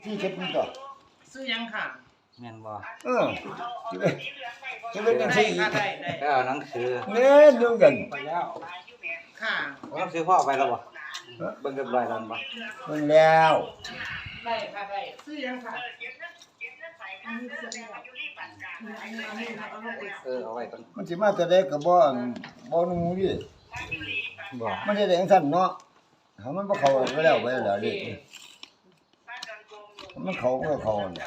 ที่เจ็ดนี่ต่อซื้อยังค่ะแม่นบ่จะเป็นยังไงค่ะได้ไปเอาหนังสือเนี่ยดูกันไปแล้วค่ะเอาหนังสือพ่อไปแล้วบ่เบิ่งเรียบร้อยแล้วบ่มันแล้วได้ค่ะได้ซื้อยังค่ะเอาไว้ก่อนมันสิมาแต่ได้กับบ่หนูดิบ่มันจะได้จังซั่นเนาะถ้ามันบ่เข้าไปแล้วดิมันเข้าก็เข้าเนี่ย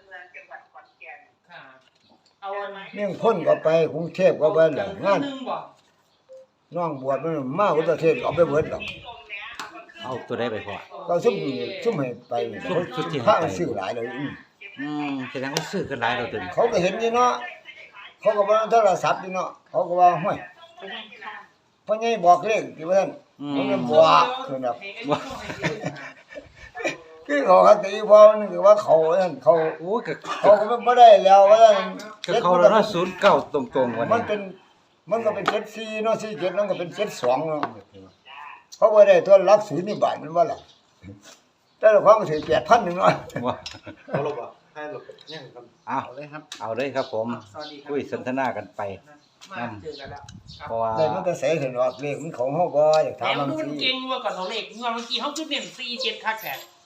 ค่ะเอาอันเมี่ยงพ้นก็ไปกรุงเทพก็ไปแล้วงานนึงบ่น้องบวชมันมาอุตรเทศเอาไปเบิดแล้วเอาตัวใดไปพ่อก็ซุ่มให้ไปซุ่มที่ให้ไปพระซื้อหลายเลยแสดงว่าซื้อกันหลายแล้วตัวนี้เขาก็เห็นนี่เนาะเขาก็ว่าโทรศัพท์นี่เนาะเขาก็ว่าห้วยพ่อใหญ่บอกเลขที่ว่าซั่นมันก็บอกคือแบบคือเขาก็ตีพอมันคือว่าเขานั่นเขาโอ้ยก็เขาก็บ่ได้แล้วว่าซั่นก็เขาแล้วเนาะ09ตรงๆวันมันนี้เป็นมันก็เป็น74เนาะ47มันก็เป็น72เนาะเขาบ่ได้ตัวหลักศูนย์นี่บาทมันว่าล่ะแต่ละความก็ถือ 8,000 นึงเนาะว่าเอาลบอ่ะให้ลบยังครับเอาเอาเลยครับเอาเลยครับผมสวัสดีครับคุยสนทนากันไปมาเจอกันแล้วครับเพราะว่าได้มันก็ใส่เห็นว่าเลขมันของเฮาบ่อยากถาแล้มวมันดูสิเก่งว่าก่อนเราเลขเมื่อกี้เขาคือเน้น47คักแท้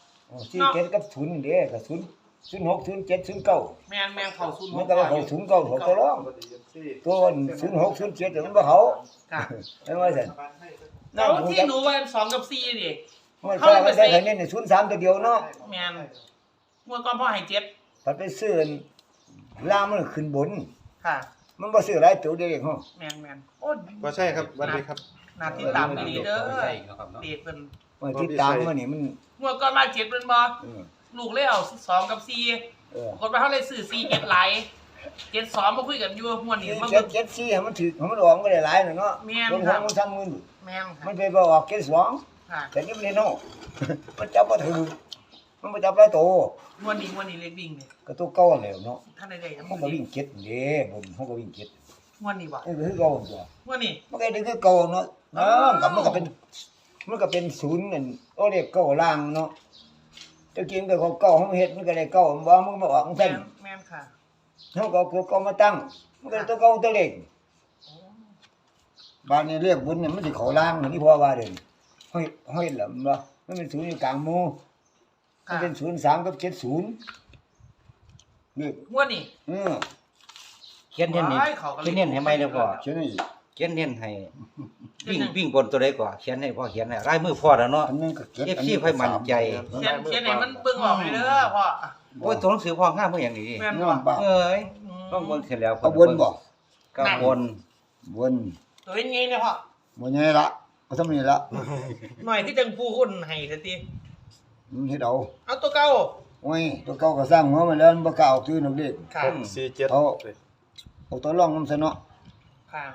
47กับ0เด้ก็0 06 07 09 แม่นเข้าศูนย์มันก็ว่าเขา09เขาตัวรองสวัสดีเอฟซีตัว06 07มันบ่เขาค่ะเห็นว่าซั่นแล้วที่หนูว่า2กับ4ดิมันก็ไม่ได้คะแนนนี่03ตัวเดียวเนาะแม่นเมื่อก่อนพ่อให้7 พัดไปซื้อล่างมันขึ้นบนค่ะมันบ่ซื้อหลายตัวเดียวเองเฮาแม่นโอ้ว่าใช่ครับวันนี้ครับนาที่ตามดีเด้อเด็กเพิ่นว่าติดตามมันนี่มันเมื่อก่อนมา7เพิ่นบ่เออลูกเลยเอา2กับ4 เออปรากฏว่าเขาเลยซื้อ4 7หลาย7 2มาคุยกันอยู่ม่วนนี่มาเจ็เบิ่ดงเจ็ดสี่ให้มันถือให้มันออกก็ได้หลายน่ะเนาะแม่นคนครัทาบงมัน30,000 แม่นค่ะมันไปบ่ออก72 ค่ะแต่นี่มันเนาะมันจับบ่ถือมันบ่จับหลายตัวม่วนนี่เล็กวิ่งนี่ก็ตัวเก่าแล้วเนาะท่านใดๆมันก็วิ่งเก็ดเด้บนมันก็วิ่งเก็ดม่วนนี่บ่เออคือเก่าตัวม่วนนี่มันก็ได้คือเก่าเนาะกับมันก็เป็นศูนย์นั่นโอ้เรียกเก่าล่างเนาะตะกี้มันก็เก่าเฮาเฮ็ดมันก็ได้เก่าบ่มันก็มาออกจังแม่ซั่นนแม่นค่ะเฮาก็เอาเก่ามาตั้งมันก็ได้ตัวเก่าตัวเล็กโอ้บ้านนี้เรียกบุญเนี่ยมันสิเข้าล่างนี่พ่อว่าเด้ห้อยหลำบ่มันเป็นศูนย์อยู่กลางหมู่มันค่ะเป็น03กับ70นี่ม่วนนี่เขียนเน้นนี่ว้ายเขาก็เลยเขียนเน้นให้ไหมเด้อพ่อเขียนนี่เขียนเน้นให้วิ่งบนตัวใดก่อนเขียนให้พ่อเขียนให้ลายมือพ่อแล้วเนาะอันนึงก็เก็บ FC ค่อยมั่นใจเขียนให้มันเบิ่งออกเลยเด้อพ่อโอ้ยตัวหนังสือพ่องามเมื่ออย่างนี้แม่นน้อบ่งบ่าวเอ้ยต้องบนเสร็จแล้วเอาวนบ่ก็บนวนตัวเป็นไงเนี่ยพ่อบ่ใหญ่ละเอาทำนี่ละหน่อยที่จังผู้คนให้ซะติมันเฮ็ดเอาเอาตัวเก่าโอ้ยตัวเก่าก็สร้างหัวมาแล้วมันบ่กล้าเอาตื้อนักเลขค่ะ 647 เอาตัวรองนำซะเนาะค่ะ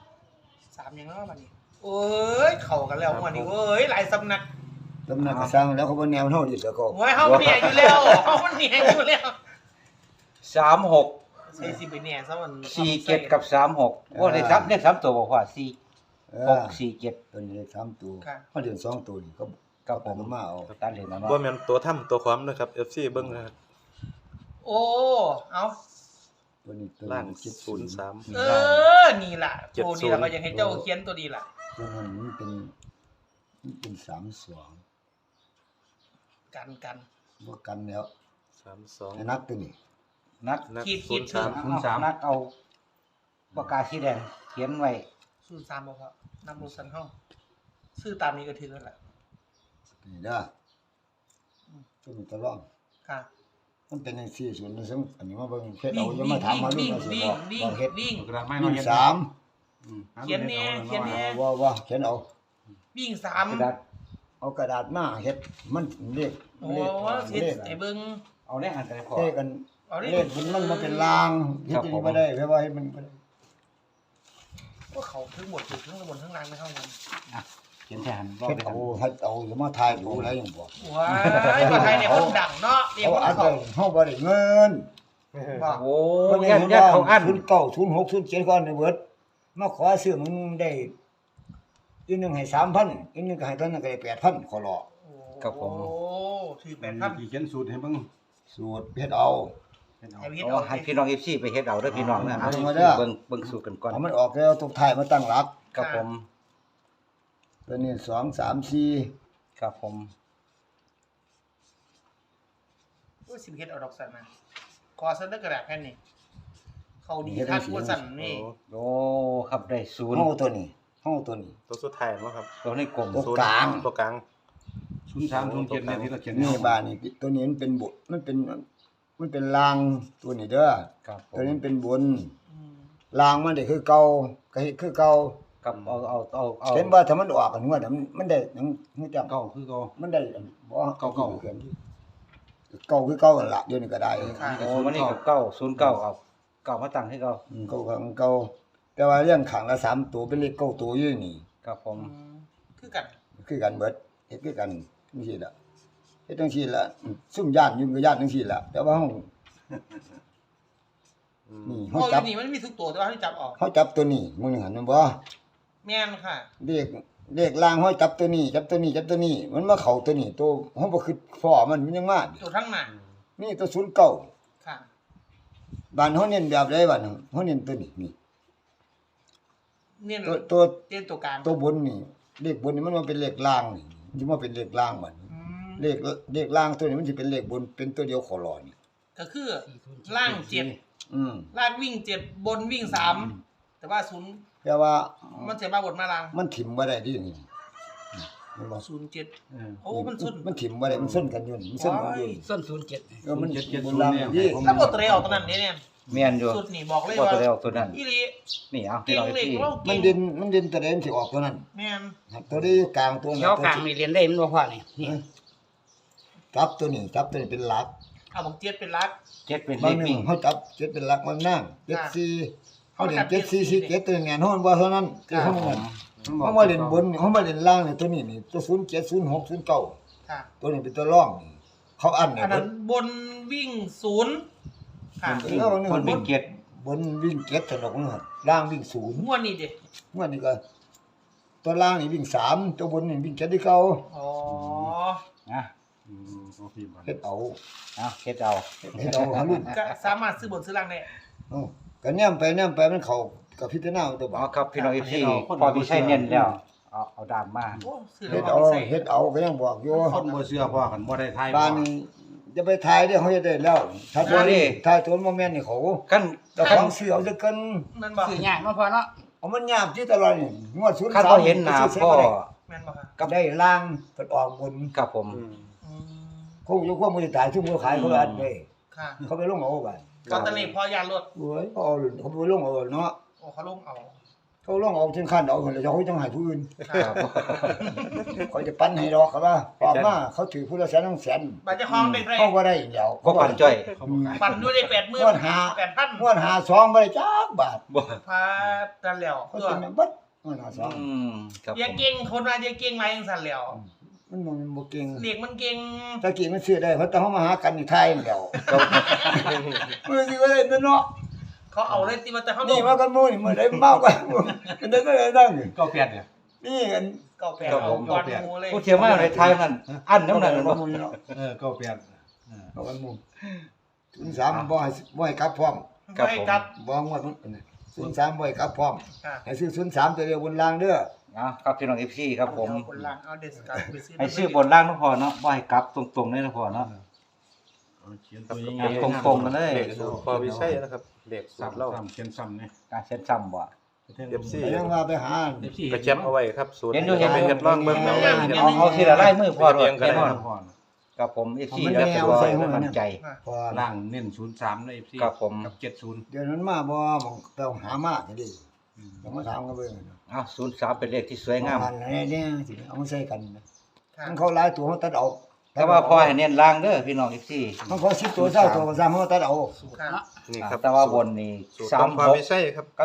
3ยังแล้วบัดนี้โอ้ยเข้ากันแล้วม่วนนี่เอ้ยหลายสำนักตำนักก็สร้างแล้วเขาบ่แนวเฮาดิซะก็โอ้ยเฮาเนี่ยอยู่แล้วเฮามันเนี่ยอยู่แล้ว 36 ใส่สิไปเนี่ยซะมัน 47กับ36โอ้ได้3เลข3ตัวบ่พ่อ4 เออ 6 4 ตัวนี้ได้3ตัวค่ะเฮาเรียน2ตัวนี่ก็ 7กับผมมาเอาตัดเลนแล้วเนาะว่าแม่นตัวถ้ำตัวความนะครับ FC เบิ่งนะครับโอ้เอาตัวนี้ตัวล่างนี้ 03 เออนี่ล่ะตัวนี้ล่ะก็อยากให้เจ้าเขียนตัวนี้ล่ะตัวนั้นมันเป็น32 กันบ่กันแล้ว 32 ให้นักตัวนี้นักนักขีด 03 นักเอาปากกาสีแดงเขียนไว้ 03บ่พอนำรถสันเฮาซื้อตามนี้ก็ถือแล้วล่ะนี่เด้อตัวนี้ตัวรองค่ะมันเป็นจังซี่ส่วนนึงซึ่งอันนี้มาเบิ่งเฮ็ดเอาอย่ามาถามมาลูกว่าสิบอกว่าเฮ็ดวิ่งวิ่งสามเขียนแน่เขียนแน่ว่าเขียนเอาวิ่งกระดาษเอากระดาษมาเฮ็ดมันเลข 3โอ้เลขเฮ็ดเลขให้เบิ่งเอาได้หันกันพอเลขกันเอาดิเลขมันมาเป็นลางเฮ็ดจังบ่ได้เพราะว่าให้มันบ่ได้ว่าเขาถึงหมดถึงบนทั้งล่างไม่เท่ากันเขียนแทนรอบเฮ็ดไปเอาเฮ็ดเอาอย่ามาทายดูอะไรอย่างบ่ว้ายมาไทยเนี่ยคนดังเนาะเรียกเอาว่าอันเขาเฮาบ่ได้เงินบอกโอ้ยยันเขาอัน 09 06 07ก่อนเบิดมาขอซื้อมึงได้อีกนึงให้ 3,000อีกนึงก็ให้ตอนนั้นก็ได้ 8,000ขอรอโอ้ครับผมโอ้ถือแปเป็ดนพันที่เขียนสูตรให้เบิ่งสูตรเฮ็ดเอาเป็นเอาให้พี่โอ้เอาให้พี่น้อง FC ไปเฮ็ดเอาเด้อพี่น้องนะเอามาเด้อเบิ่งสูตรกันก่อนเอามันออกแล้วตกท้ายมาตั้งหลักครับผมตัวนี้2 3 4 ครับผมโอ้ยสิบเฮ็ดเอาดอกสันนะขอสันเด้อกระดาษแผ่นนี้เขาดีทัดกว่าสันนี่โอ้ครับได้ศูนย์ห้องตัวนี้ห้องตัวนี้ตัวสุดท้ายมั้งครับตัวนี้กลมตัวกลางตัวกลาง 0307เนี่ยที่เราเขียนนี่บ้านนี่ตัวนี้มันเป็นบทมันเป็นรางตัวนี้เด้อครับผตัวมนี้เป็นบนอืมรางมันได้คือเก่าก็เฮ็ดคือเก่ากับเอาเห็นว่าถ้ามันออกกันงวดมันได้หยังฮู้จักเก่าคือเก่ามันได้บ่เก่าเก่าคือเก่านั่นล่ะเดี๋ยวนี้ก็ได้โอ้วันนี้กับเก้าศูนย์เก้าเอาเก้ามาตั้งให้เก้าเก่าของเก่าแต่ว่าเรื่องขังละ3ตัวเป็นเลขเก้าตัวอยู่นี่ครับผมคือกันคือกันเบิดเฮ็ดคือกันจังซี่ล่ะเฮ็ดจังซี่ล่ะซุ่มย่านอยู่ก็ย่านจังซี่ล่ะแต่ว่าเฮานี่โอ้เฮาย จับนี่มันมีทุกตัวแต่ว่าให้จับออกเฮาจับตัวนี้มึงหันมันบ่แม่นค่ะเลขล่างเฮาจับตัวนี้จับตัวนี้จับตัวนี้มันมาเข้าตัวนี้ตัวเฮาบ่คิดพ้อมันยังมาตัวทั้งหน้านี่ตัว09 ค่ะบ้านเฮาเน้นแบบใดบ้านเฮาเน้นตัวนี้นี่เนี่ยตัวเต้นตัวกลางตัวบนนี่เลขบนนี่มันมาเป็นเลขล่างนี่มันสิมาเป็นเลขล่างบัดนี้อืมเลขล่างตัวนี้มันสิเป็นเลขบนเป็นตัวเดียวขอรอนี่ก็คือล่างเจ็ดอืมล่างวิ่งเจ็ดบนวิ่งสามแต่ว่าศูนย์แต่ว่ามันจะมาบนมาล่างมันถิ่มบ่ได้ดินี่เห็นบ่ศูนย์เจ็ดเออโอ้มันสุดมันถิ่มบ่ได้มันส้นกันอยู่นี่มันส้นกันอยู่นี่ส้น07 มัน 07 บนล่างเนี่ยนี่ถ้าบทเตะออกตอนนั้นเนี่ยแม่นอยู่สุดนี่บอกเลยบ่ว่าตัวเดียวตัวนั้นอีหลีนี่เอาพี่เก่งน้องเล็กที่เรามัเก่นงเด่นตัวเด่นสิออกตัวนั้นแม่นครับตัวนี้อยู่กลางตัวเขียวกลางนี่เรียนได้มันบ่พอนี่นี่จับตัวนี้จับตัวนี้เป็นหลักเอาบอกเจ็ดเป็นรักเจ็ดเป็นเลบางขหนึวิ่งงเฮาจับเจ็ดเป็นหลักมันนั่ง74เฮาเล่น7447ตัวนี้แม่นเฮามันบ่เท่านั้นคือเฮามันเฮามาเล่นบนเฮามาเล่นล่างนี่ตัวนี้นี่ตัว07 06 09 ค่ะตัวนี้เป็นตัวร่องนี่เขาอันเนี่ยอันนั้นบนวิ่งศูนย์ค่ะคนวิ่งเจ็ดบนวิ่งเก็ดถนนล่างวิ่งศูนย์งวดนี้ดิเมื่อนี้ก็ตัวล่างนี่วิ่ง3ตัวบนนี่วิ่งเก็ดที่เขาอ๋อนะโอเคบัดเฮ็ดเอาเอาเฮ็ดเอาเฮ็ดเอาหารุ่นก็สามารถซื้อบนซื้อล่างได้เอ้าก็แนมไปมันเข้ากับพิจารณาเอาตัวบ่เอาครับพี่น้องที่พอพี่ใช้เน้นแล้วเอาดามมาโอ้ซื้อเฮ็ดแล้วเอาเอาไปใส่เฮ็ดเอาก็ยังบอกอยู่คนบ่เชื่อพ่อกันบ่ได้ทายบ้านนี้จะไปทายได้เฮาจะได้แล้วถ้าตัวนี้ทายตัวบ่แม่นนี่เขาขั้นเจ้าของซื้อเอาซะเกินนั่นบอกซื้อยากเนาะพอเนาะเอามันยากที่ตลอดนี่งวด03 ขั้นพอเห็นหน้าพ่อแม่นบอกค่ะกับได้ล่างเพิ่นออกบนกับผมอืมคงอยู่ความบ่ได้ตายซุ่มเขาขายเขาอันเด้ค่ะเขาไปลงเอาบัดตอนตอนนี้พอยานรถโอ้ยเอาเขาไปลงเอาเนาะโอ้เขาลงเอาเขาลงเอาถึงขั้นเอาคนแล้วเขาจังให้ผู้อื่นค่ะเขาจะปั้นให้ดอกครับว่าออกมาเขาถือผู้ละแสน2แสนบัตรเจ้าของเป็นไรเขาบ่ได้เดียวก็ปั่นจ้อยปั่นด้วยได้80,000 งวดหา 8,000 งวดหา2บ่ได้จักบาทบ่พาดันแล้วเขาตัวสิแม่นบัดงวดหาอืมครับอย่าผมเก่งคนว่าอย่าเก่งไรจังซั่นแล้ว 2มันบ่เก่งเด็กมันเก่งตะกี้มันซื้อได้เพราะแต่เฮามาหากันนี่ไทยนี่แหล้วครับมื้อสิว่าได้เนาะเขาเอาเลยติว่าแต่เขานี่มากันหมู่นี่มื้อใดเมากันมันได้นั่งก็เปลี่ยนเนี่ยนี่กันเก่าแปลเอาก่อนหมูเลยผู้เที่ยวมาในไทยนั่นอันน้ำนั่นบ่บ่หมู่เนาะก็เปลี่ยนเอากันหมู่ถึง3บ่ให้กลับพร้อมไม่กลับบ่งวดมัน03บ่ให้กลับพร้อมค่ะให้ซื้อ03ตัวเดียวบนล่างเด้อเอาครับพี่น้อง FC ครับผมเอาคนล่างเอาเดสการไปซื้อให้ซื้อบนล่างก็พอเนาะบ่ให้กลับตรงๆเลยนะพอเนาะเขียนตัวอ่ะตรงๆกันเลยเลขสูตรพอวิชัยนะครับเลขสูตรเราเขียนซ้ำนี่การเซ็ตซ้ำบ่ FC ไปยังว่าไปหาก็แคปเอาไว้ครับสูตรเห็นอยู่เห็นอยู่เฮ็ดลองเบิ่งเอาไว้เฮ็ดเอาทีละลายมือพอโดดเรียงกันแน่นอนพอครับผม FC แล้วก็บ่ให้มั่นใจพอล่างเน้น03ใน FC ครับผมกับ70 เดี๋ยวนั้นมาบ่มองไปหามาจังดิต้องมาถามกันเบิ่งเอา03เป็นเลขที่สวยงามอันนี้สิเอามาใส่กันนะค่ะมันเขาหลายตัวเขาตัดเอาแต่ว่าพอให้เน้นล่างเด้อพี่น้อง FC มันเขา10ตัว20ตัวก็ซ้ำเขาตัดเอาค่ะนี่ครับแต่ว่าบนนี่สูตรของพอวิชัยครับ 36กับ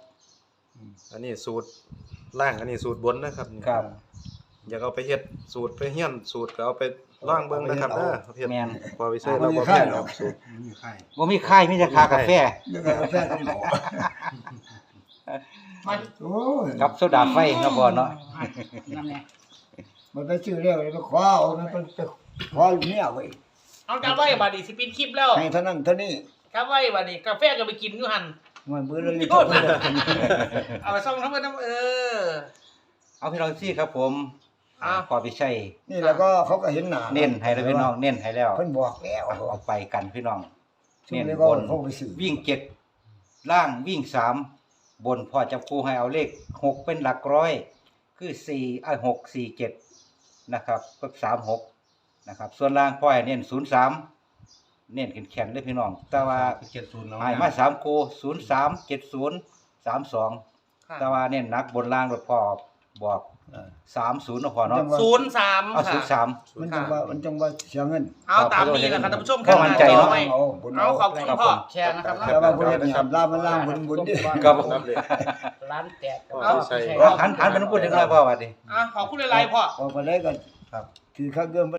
46 อันนี้สูตรล่างอันนี้สูตรบนนะครับนี่ครับอยากเอาไปเฮ็ดสูตรไปเฮียนสูตรก็เอาไปลองเบิ่งนะครับเด้อเฮ็ดแม่นพอวิชัยเราบ่แม่นครับสูตรมีไข่บ่มีค่ายมีแต่ค่ากาแฟเดี๋ยวก็กาแฟกันหมอมาโอ้ยกับโซดาไฟเนาะพอเนาะนั่นแหละมันไปซื้อแล้วไปขอเอามันไปขอลูกเมียไว้เอากลับไว้บัดนี้สิปิดคลิปแล้วให้เท่านั้นเท่านี้กลับไว้บัดนี้กาแฟก็ไปกินอยู่หั่นมันเบื่อเลยโทษนะ เอาไปส่งทั้งหมดทั้งเอาพี่น้องซี่ครับผมอ้าวพอพี่ชัยนี่แล้วก็เขาก็เห็นหน้าเน้นให้แล้วพี่น้องเน้นให้แล้วเพิ่นบอกแล้วเอาไปกันพี่น้องเน้เน้นนก็บนเขาไปซื้อวิ่ง7ล่างวิ่ง3บนพอจับคู่ให้เอาเลข6เป็นหลักร้อยคือ6 4 7นะครับก็36นะครับส่วนล่างพ่อให้เน้น03เน้นแข็งๆเลยพี่น้องแต่ว่า 70เนาะให้มา3คู่03 70 32แต่ว่าเน้นหนักบนล่างรถพ่อบอก30นะพ่อเนาะ 03 เอาค่ะ 03 มันจังว่าเสียเงินเอาตามนี้แหละครับท่านผู้ชมก็มั่นใจเนาะเอาขอบคุณพ่อแชร์นะครับแต่ว่าบ่ได้เนี่ยลามันล่างบุญดิครับผมนับเลยร้านแตกเอาใช่หันไปน้ำพูดถึงอะไรพ่อว่าดิขอบคุณหลายๆพ่อพอไปได้ก็ถือข้าวเกิน